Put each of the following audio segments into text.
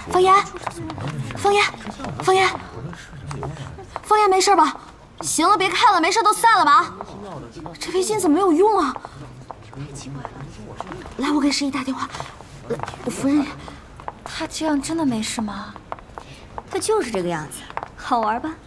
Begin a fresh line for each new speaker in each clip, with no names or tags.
方言，方言，方言，方言，没事吧？行了，别看了，没事都散了吧。这围巾怎么没有用啊？来，我给十一打电话。夫人，
他这样真的没事吗？
他就是这个样子，好玩吧？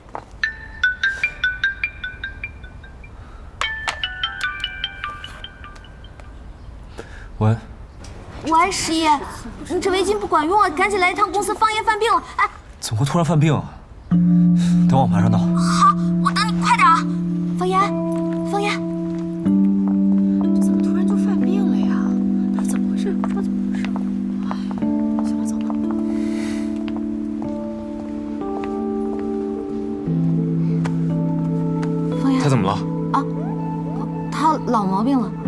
喂。
喂，十一，你这围巾不管用啊，赶紧来一趟公司，方言犯病了。哎，
怎么会突然犯病啊？等我马上到。
好，我等你，快点啊！方言，方言，
这怎么突然就犯病了呀？他怎么回事？不知道怎么回事。哎，行了，走吧。
方言，
他怎么了？
啊，他老毛病了。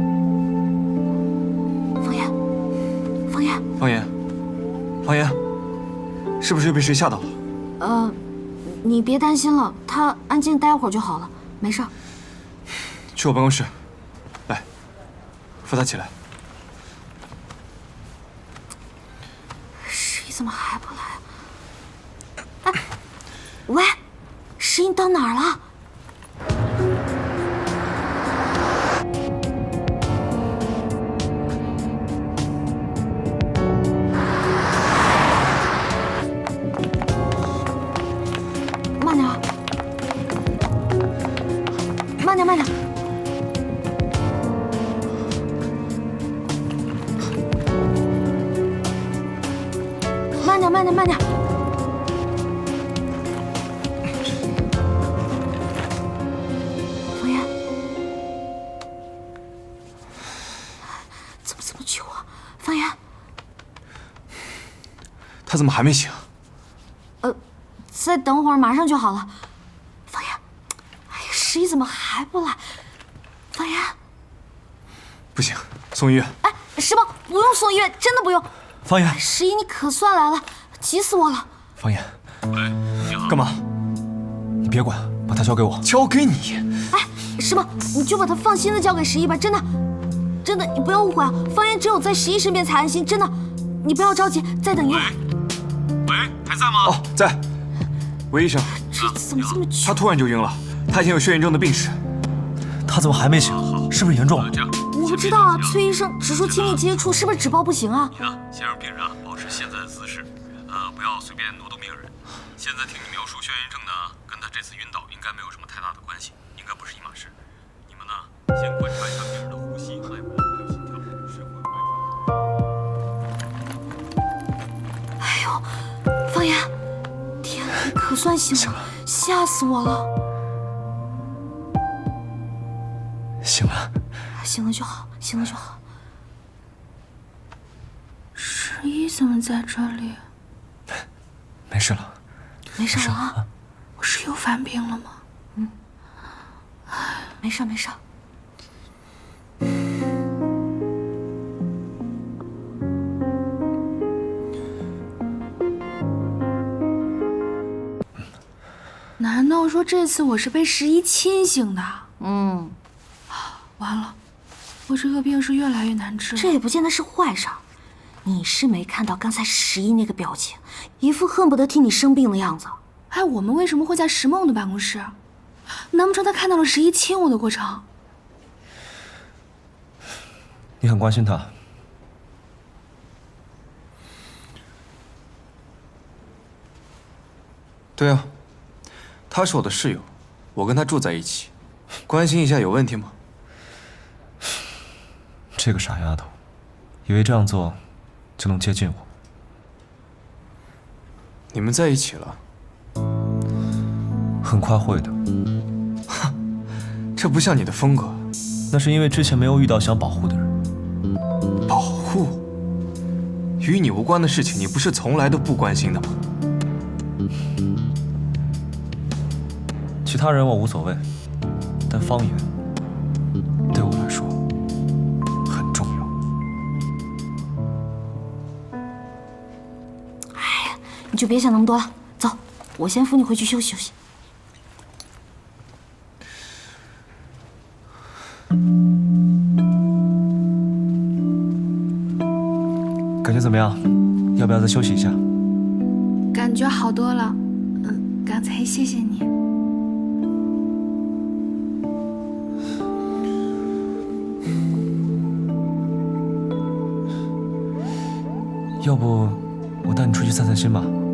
方言，方言，
方言，方言，是不是又被谁吓到了？
你别担心了，他安静待会儿就好了，没事。
去我办公室，来，扶他起来。
十一怎么还不来？哎，喂，十一你到哪儿了？慢点，慢点，慢点。慢点，慢点，慢点。方言，怎么救啊？方言，
他怎么还没醒？
再等会儿，马上就好了。方言，哎呀，十一怎么还不来？方言，
不行，送医院。
哎，石宝，不用送医院，真的不用。
方言，
十一，你可算来了，急死我了。
方言，干嘛？你别管，把他交给我。交给你？
哎，石宝，你就把他放心的交给十一吧，真的，真的，你不要误会啊。方言只有在十一身边才安心，真的，你不要着急，再等一会儿。
喂，还在吗？
哦，在。韦医生，
这怎么这么久？
他突然就晕了，他已经有血严重的病史。他怎么还没醒？是不是严重了？
我不知道啊，崔医生只说亲密接触，是不是纸包不行啊？
你呢，先让病人保持现在的姿势，不要随便挪动病人。现在听你描述眩晕症呢，跟他这次晕倒应该没有什么太大的关系，应该不是一码事。你们呢，先观察一下病人的呼吸、脉搏还有心跳，是会不会
哎呦，方言，天啊，你可算醒了，吓死我了。
醒了，
醒了就好，醒了就好。
十一怎么在这里？
没事了，
没事了啊，
我是又犯病了吗？
没事没事。
难道说这次我是被十一亲醒的？完了，我这个病是越来越难治了。
这也不见得是坏事儿。你是没看到刚才十一那个表情，一副恨不得替你生病的样子。
哎，我们为什么会在石梦的办公室？难不成他看到了十一亲我的过程？
你很关心他。对啊，他是我的室友，我跟他住在一起，关心一下有问题吗？这个傻丫头，以为这样做就能接近我。你们在一起了？很快会的。哈，这不像你的风格。那是因为之前没有遇到想保护的人。保护？与你无关的事情，你不是从来都不关心的吗？其他人我无所谓，但方言对我来说很重要。
哎呀，你就别想那么多了，走，我先扶你回去休息休息。
感觉怎么样？要不要再休息一下？
感觉好多了。刚才谢谢你。
要不我带你出去散散心吧？